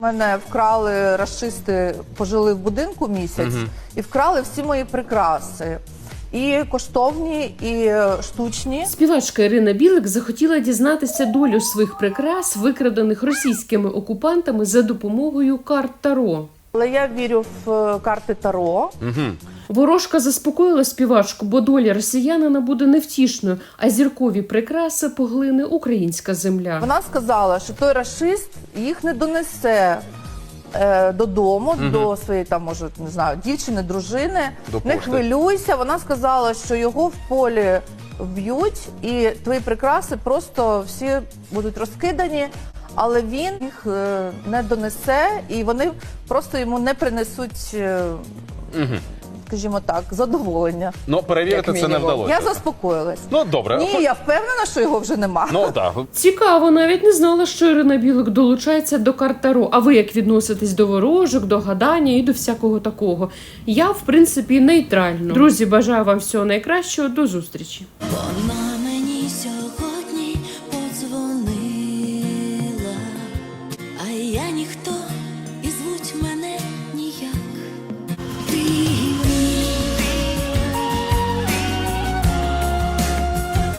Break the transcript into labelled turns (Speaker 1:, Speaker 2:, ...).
Speaker 1: Мене вкрали рашисти, пожили в будинку місяць і вкрали всі мої прикраси. І коштовні, і штучні.
Speaker 2: Співачка Ірина Білик захотіла дізнатися долю своїх прикрас, викрадених російськими окупантами за допомогою карт Таро.
Speaker 1: Але я вірю в карти Таро.
Speaker 2: Ворожка заспокоїла співачку, бо доля росіянина буде невтішною, а зіркові прикраси поглине українська земля.
Speaker 1: Вона сказала, що той рашист їх не донесе додому, до своєї, там, може, не знаю, дівчини, дружини. Не хвилюйся. Вона сказала, що його в полі вб'ють, і твої прикраси просто всі будуть розкидані, але він їх не донесе, і вони просто йому не принесуть, скажімо так, задоволення.
Speaker 3: Ну, перевірити це не вдалося.
Speaker 1: Я заспокоїлась.
Speaker 3: Ну, добре.
Speaker 1: Ні, я впевнена, що його вже нема.
Speaker 3: Ну, так.
Speaker 2: Цікаво, навіть не знала, що Ірина Білик долучається до карт Таро. А ви як відноситесь до ворожок, до гадання і до всякого такого? Я, в принципі, нейтрально. Друзі, бажаю вам всього найкращого. До зустрічі.